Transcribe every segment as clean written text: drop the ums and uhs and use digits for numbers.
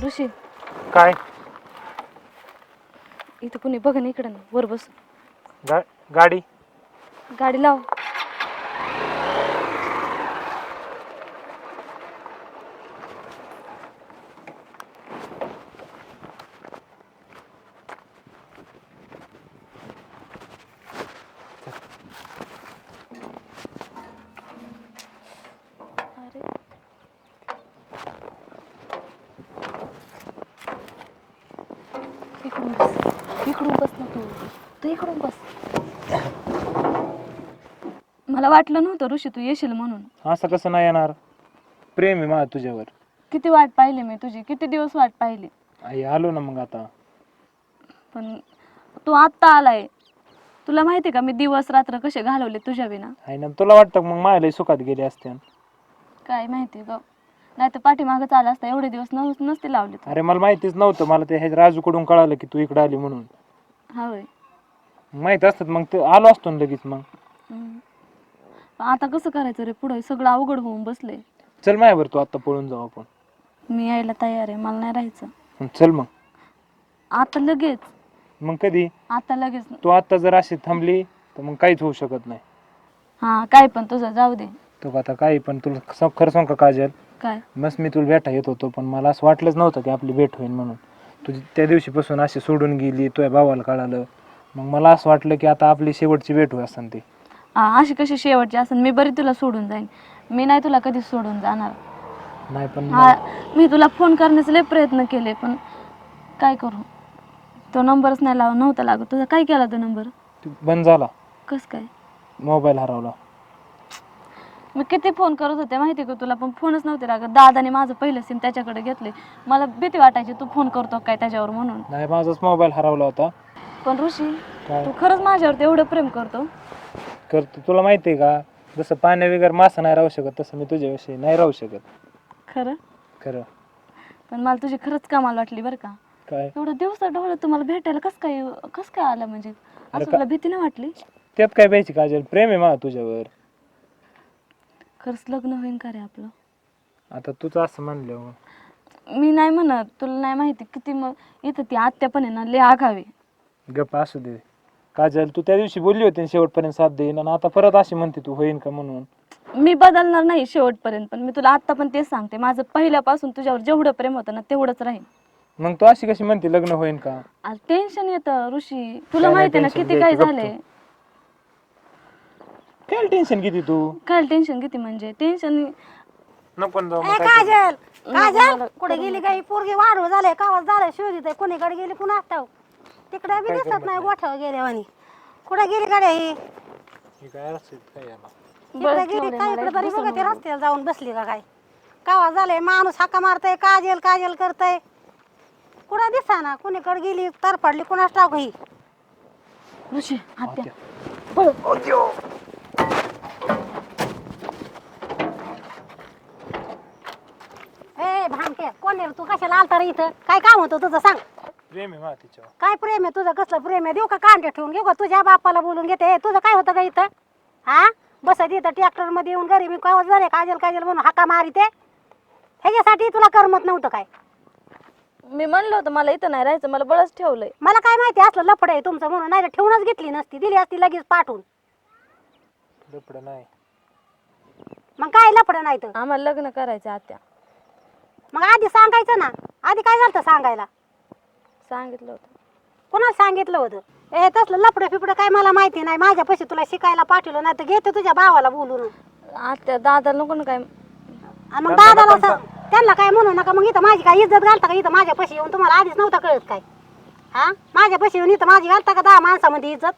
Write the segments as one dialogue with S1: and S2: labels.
S1: ऋषी
S2: काय
S1: इथं कुणी बघ ना, इकडं ना, वर बस.
S2: गाडी
S1: गाडी लाव. अरे इकडून बस, इकडून बस ना तू. तू इकडून बस. मला वाटलं नव्हतं ऋषी तू येशील म्हणून.
S2: असं कसं नाही येणार? प्रेम आहे माझं तुझ्यावर.
S1: किती वाट पाहिली मी तुझी, किती दिवस वाट पाहिली.
S2: आई आलो ना मग आता.
S1: पण तू आत्ता आलाय. तुला माहिती का मी दिवस रात्र कसे घालवले तुझ्या विना.
S2: आहे ना, तुला वाटतं मग माझ्या सुखात गेले असते.
S1: काय माहिती ग, नाही तर पाठीमागच आला असता. एवढे दिवस नसते लावले तू.
S2: अरे मला माहितीच नव्हतं. मला ते राजूकडून कळालं की तू इकडे आली म्हणून.
S1: हा होय.
S2: माहित असतात मग ते आलो असतो ना लगेच मग.
S1: आता कसं करायचं रे, पुढे सगळं अवघड होऊन बसले.
S2: चल माझ्यावर, तू आता पळून जाऊ आपण.
S1: मी यायला तयार आहे, मला नाही राहायचं.
S2: चल मग.
S1: आता लगेच.
S2: मग कधी?
S1: आता लगेच.
S2: तू आता जर अशी थांबली तर मग काहीच होऊ शकत नाही.
S1: हा काय पण तुझं जाऊ दे.
S2: तू आता काही पण, तुला खरं सांग का काजल,
S1: काय
S2: मस्त मी तुला भेटा येत होतो, पण मला असं वाटलंच नव्हतं की आपली भेट होईल म्हणून. तुझी त्या दिवशीपासून अशी सोडून गेली, तुझ्या भावाला कळालं, मग मला असं वाटलं की आता आपली शेवटची भेट होईल असं ते.
S1: अशी कशी शेवटची असेल, मी बरी तुला सोडून जाईन. मी नाही तुला कधी सोडून जाणार.
S2: नाही पण
S1: मी तुला फोन करण्याचे लय प्रयत्न केले, पण काय करू, तो नंबरच नाही नव्हता लागत. तुझा काय केला तो नंबर?
S2: बंद झाला.
S1: कस काय?
S2: मोबाईल हरवला.
S1: मी किती फोन करत होते माहिती का तुला, पण फोनच नव्हते लागत. दादाने माझं पहिलं सिम त्याच्याकडे घेतले. मला भीती वाटायची तू फोन करतो काय त्याच्यावर म्हणून.
S2: नाही, माझाच मोबाईल हरवला होता.
S1: पण ऋषी,
S2: काय
S1: तू खरंच माझ्यावर एवढं प्रेम करतो?
S2: करतो. तुला माहिती आहे का, जसं पाण्या वगैरे मासा नाही राहू शकत, तसं मी तुझ्याविषयी नाही राहू शकत.
S1: खरं?
S2: खरं.
S1: पण मला तुझी खरंच कमाल वाटली बरं का.
S2: काय?
S1: एवढं दिवसा ढवळं तुम्हाला भेटायला कसं काय आलं म्हणजे?
S2: अरे
S1: असं तुला भीती नाही वाटली?
S2: त्यात काय पाहिजे काजल, प्रेम आहे माझं तुझ्यावर.
S1: खरंच लग्न होईन का रे आपलं?
S2: आता तूच असं म्हणलं.
S1: मी नाही म्हणत, तुला नाही माहिती किती. मग इथं ती आत्या पण आहे ना, लय आगावी.
S2: गप्प असू दे काजल, तू त्या दिवशी बोलली होती शेवटपर्यंत साथ देईन, आणि आता परत अशी म्हणते तू होईन का म्हणून.
S1: मी बदलणार नाही शेवटपर्यंत, पण मी तुला आत्ता पण तेच सांगते, माझं पहिल्यापासून तुझ्यावर जेवढं प्रेम होतं ना तेवढंच राहील.
S2: मग तू अशी कशी म्हणते लग्न होईन का?
S1: आज टेन्शन येतं ऋषी, तुला
S2: काय नाही
S1: माहिती ना
S2: tension
S1: किती काय
S2: घ्यायचं,
S1: झालंय.
S2: काय टेन्शन किती तू?
S1: काय टेन्शन किती म्हणजे टेन्शन.
S2: नको ना जाऊ मग
S3: ए
S2: काय
S3: काजल, काजल
S1: मला
S3: कुठे गेली काही पोरगी वाढव झाले कावच झालंय शोधित कोणीकडे गेली पुन्हा ठाव तिकडे बी दिसत नाही गोठ्यावर गेल्यावानी. कुठे गेली गाड्या ही?
S2: हे काय असेल काय याला?
S3: तिकडे गेली काय इकडे तरी बघा ते रस्त्याला जाऊन बसली का काय? कावा झालंय माणूस हाका मारतय काजल काजल करतय. कुठं दिसा ना कुणीकडे गेली तर पडली कुणाच ठाव ही.
S1: ऋषी आत्या.
S3: ए भामटे कोण आहे तू कशाला आलता रे इथं? काय काम होतं तुझं सांग?
S2: प्रेम आहे माझं तिच्यावर.
S3: काय प्रेम आहे तुझं? कसलं प्रेम आहे? देऊ का कांडे ठेवून घेऊ का तुझ्या बापाला बोलून घेते? ए, तुझं काय होतं का इथं? हा बसत इथं ट्रॅक्टर मध्ये येऊन घरी मी काय झाले काजल काजल म्हणून हाका मारिते. ह्याच्यासाठी तुला करमत नव्हतं काय?
S1: मी म्हणलं होतं मला इथं नाही राहायचं, मला बळच ठेवलंय.
S3: मला काय माहिती असलं लफड आहे तुमचं म्हणून, नाही ठेवूनच घेतली नसती, दिली असती लगेच पाठवून.
S2: लफडं नाही.
S3: मग काय लफड नाही तर?
S1: आम्हाला लग्न करायचं आत्या.
S3: मग आधी सांगायचं ना. आधी काय झालं सांगायला?
S1: सांगितलं होतं.
S3: कोणाला सांगितलं होतं? ए तसलं लफडं फिपडं काय मला माहिती नाही. माझ्यापाशी तुला शिकायला पाठवलं नाही तर घेते तुझ्या भावाला बोलून.
S1: आत्या दादा नको ना काय.
S3: आणि मग दादाला त्यांना काय म्हणू नका. मग इथं माझी काय इज्जत घालता का इथं माझ्यापाशी येऊन? तुम्हाला आधीच नव्हता कळत काय? हा माझ्यापाशी येऊन इथं माझी घालता का 10 माणसामध्ये इज्जत?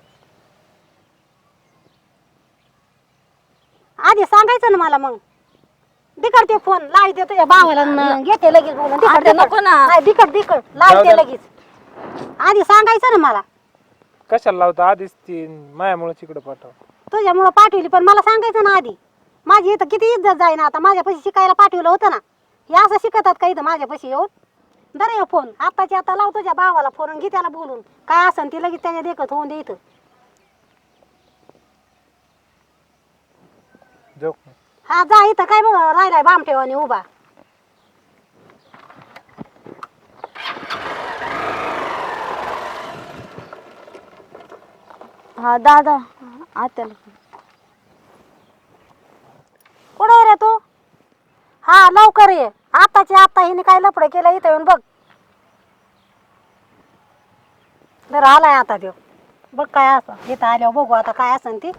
S3: आधी सांगायचं ना मला. मग दिकड फोन लावते तुझ्या भावाला न घेते लगेच बोलून.
S1: आत्या नको ना.
S3: दिकड लावते लगेच. आधी सांगायचं ना मला.
S2: कशाला लावता? आधीच ती मायामुळे तिकडे पाठव.
S3: तुझ्यामुळं पाठवली पण मला सांगायचं ना आधी. माझी इथं किती इज्जत जाई ना. आता माझ्यापाशी शिकायला पाठवलं होतं ना. हे असं शिकतात का इथं माझ्यापाशी येऊन? दर ये फोन आत्ताची आता लाव तुझ्या भावाला फोन आणि घे त्याला बोलून. काय असन ती लगेच त्याच्या देखत होऊन दे इथं.
S2: जाऊ.
S3: हा जा इथं काय बघ राहिलाय बामठेवानी उभा.
S1: हा दादा आत्याला.
S3: कुठे आहे रे तू? हा लवकर ये, आताची आता हिने काय लफडं केलं इथं येऊन बघ. बरं आलाय आता देव, बघ काय असं इथं आल्यावर बघू आता काय असन ती.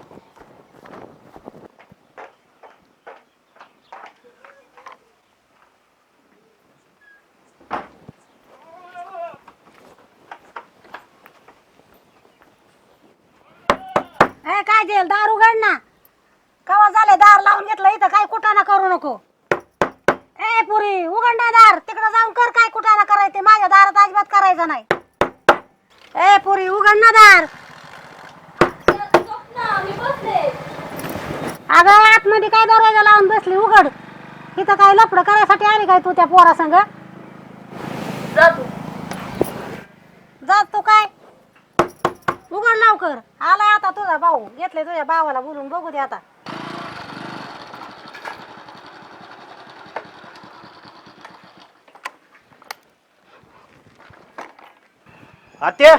S3: काय जेल दार उघड ना, कवा झाले दार लावून घेतलं इथं, काय कुटाणा करू नको. ए पुरी उघड ना दार, तिकडे जाऊन कर काय कुटाणा करायचे, माझ्या दारात अजिबात करायचं नाही. ए पुरी उघड ना दार. अगं आतमध्ये काय दरवाजा लावून बसली, उघड. इथं काय लफडं करायसाठी आली काय तू त्या पोरा संग? जात तू काय, उघड लवकर. आलाय आता तुझा भाऊ, घेतले तुझ्या भावाला बोलून, बघू दे आता.
S4: आत्या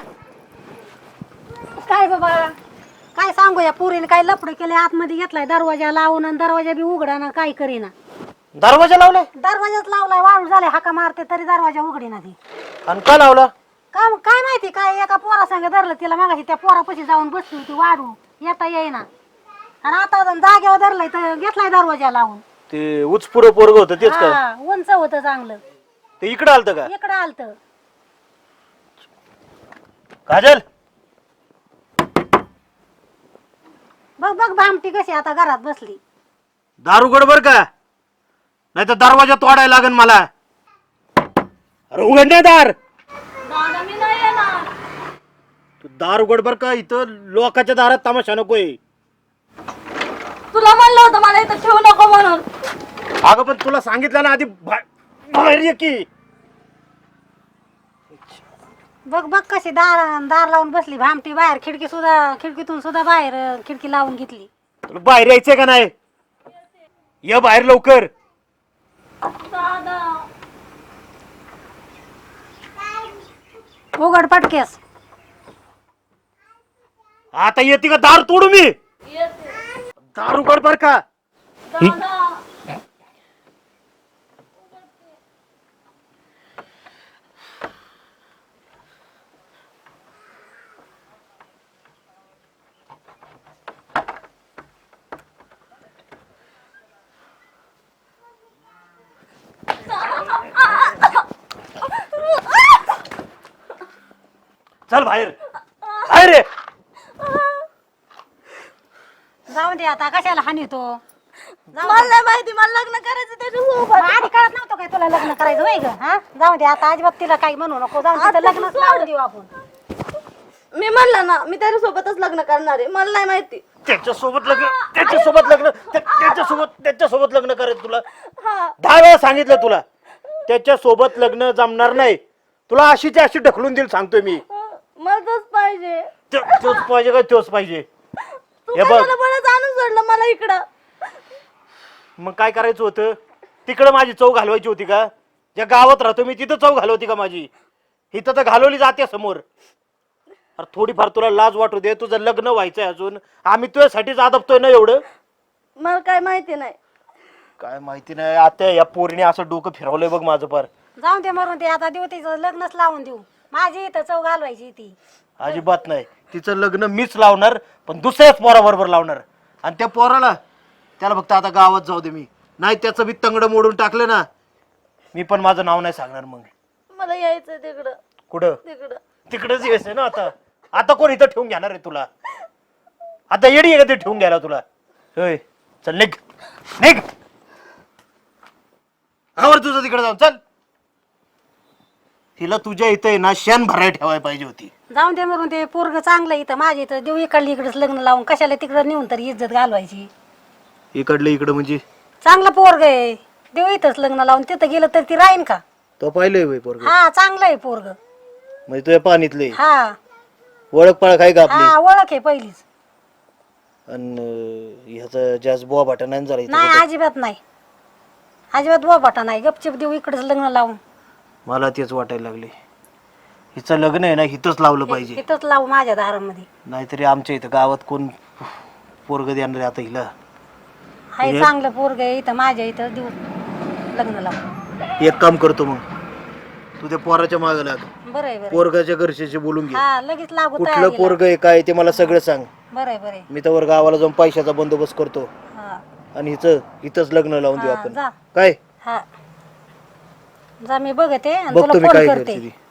S3: काय बाबा काय सांगू, या पुरीने काय लफडं केले, आतमध्ये घेतलाय दरवाजा लावून आणि दरवाजा बी उघडा ना, काय करीना.
S4: दरवाजा लावलाय
S3: दरवाजाच लावलाय, वाळू झाले, हाका मारते तरी दरवाजा उघडीना ती.
S4: आणि का लावला?
S3: काय काय माहिती, काय एका पोरा संग धरलं तिला, मागाशी त्या पोरापाशी जाऊन बसली होती वाढू, येता येईना. आणि आता जागेवर धरलाय तर घेतलाय दरवाजा लावून.
S4: ते उचपुर पोरग होतं तेच का?
S3: हा, उंच होतं चांगलं.
S4: ते इकडे आलत का?
S3: इकडं आलत.
S4: काजल
S3: बघ बघ भामटी कशी आता घरात बसली.
S4: दार उघड बर का, नाही तर दरवाजा तोडायला लागन मला. अरे उघड नाही दार.
S1: दादा मी नाही येणार.
S4: तू दार उघड बर का, इथं लोकांच्या दारात तमाशा नकोय.
S1: तुला म्हणलं होतं मला इथं ठेवू नको म्हणून.
S4: अगं पण तुला सांगितलं ना आधी, बाहेर ये की.
S3: बघ बघ कशी दार दार लावून बसली भामटी, बाहेर खिडकीतून सुद्धा बाहेर खिडकी लावून घेतली.
S4: तुला बाहेर यायचंय का नाही? ये बाहेर लवकर.
S1: दादा
S3: उघड पटकेस.
S4: आता येते का दार तोडू मी?
S1: येते.
S4: दार उघड बर का.
S1: दादा
S4: चल बाहेर, बाहेर ये.
S3: जाऊन दे आता, कशाला हानी तो.
S1: मला नाही माहिती, मला लग्न करायचं त्याच्यासोबत.
S3: आधी कळत नव्हतं काय तुला लग्न करायचं होय ग? हा जाऊ दे आता, अजिबात तिला काही म्हणू नको, जाऊन तिथं लग्नच लावून देऊ आपण.
S1: मी म्हणलं ना, मी त्याच्यासोबतच लग्न करणार आहे. मला नाही माहिती.
S4: त्याच्यासोबत लग्न लग्न करायचं तुला?
S1: हा
S4: 10 वेळा सांगितलं तुला, त्याच्यासोबत लग्न जमणार नाही. तुला अशीची अशी ढकलून देईल सांगतोय मी.
S1: मला तोच पाहिजे.
S4: तोच पाहिजे का तोच पाहिजे?
S1: तू
S4: हे बघ.
S1: कशाला बरंच आणून सोडलं मला इकडं?
S4: मग काय करायचं होतं? तिकडं माझी चव घालवायची होती का? ज्या गावात राहतो मी तिथं चव घालवती का माझी? इथं तर घालवली जाते समोर. अरे थोडीफार तुला लाज वाटू दे, तुझं लग्न व्हायचंय अजून. आम्ही तुझ्यासाठीच आदबतोय ना एवढं.
S1: मला काय माहिती नाही.
S4: काय माहिती नाही आता, या पोरीने असं डोकं फिरवलंय बघ माझं पार.
S3: जाऊन दे मरून ते आता, देऊ तिचं लग्नच लावून देऊ. माझी इथं चव घालवायची ती.
S4: अजिबात नाही. तिचं लग्न मीच लावणार, पण दुसऱ्याच पोराबरोबर लावणार. आणि त्या पोराला, त्याला फक्त आता गावात जाऊ दे मी. नाही त्याचं बी तंगड मोडून टाकलं ना, मी पण माझं नाव नाही सांगणार मग.
S1: मला यायचं तिकडं.
S4: कुठं?
S1: तिकडं.
S4: तिकडच यायचंय ना आता. आता कोण इथं ठेवून घेणार आहे तुला? आता येडी आहे का ते ठेवून घ्यायला तुला? होय, चल निघ निघ. आवर तुझं तिकडे जाऊन चल. तिला तुझ्या इथं आहे ना शेण भराय ठेवायला पाहिजे होती.
S3: जाऊन दे मरून ते, पोरग चांगलं इथं माझ्या इथं देऊ, इकडली इकडेच लग्न लावून कशाला तिकडं नेऊन तरी इज्जत घालवायची.
S4: इकडलं इकडं म्हणजे?
S3: चांगलं पोरग आहे, देऊ इथंच लग्न लावून, तिथं गेलं तर ती राहीन का?
S4: तो पाहिलंय पोरग?
S3: हा चांगलं आहे पोरग.
S4: म्हणजे तुझ्या पाणीतले
S3: हा
S4: ओळख पाळख आहे का आपली?
S3: हा ओळख आहे पहिलीच.
S4: आणि ह्याचा जास्त बुवा भाटा नाही झाला
S3: नाही अजिबात नाही, अजिबात बोबाटा नाही. गपचिप देऊ इकडेच लग्न लावून.
S4: मला तेच वाटायला लागले. हिचं लग्न आहे ना हिथंच लावलं पाहिजे,
S3: इथंच लावू माझ्या दारामध्ये.
S4: नाहीतरी आमच्या इथं गावात कोण पोरग देणार आहे आता हिला.
S3: हाय चांगलं पोरग आहे इथं माझ्या इथं देऊ लग्न लावू.
S4: एक काम करतो मग, तू त्या पोराच्या मागे लाग,
S3: बरं आहे बरं
S4: पोरगाच्या घरच्याशी बोलून घे,
S3: हा लगेच लागू
S4: कुठलं
S3: तयारीला.
S4: पोरग आहे काय ते मला सगळं सांग.
S3: बरं आहे बरं आहे.
S4: मी तर गावाला जाऊन पैशाचा बंदोबस्त करतो
S3: हा
S4: आणि हिथंच लग्न लावून देऊ
S3: हा,
S4: आपण.
S3: जा.
S4: काय
S3: हा जा मी बघते आणि
S4: बघतो
S3: तुला
S4: मी
S3: फोन
S4: काय
S3: करते.
S4: करते ती.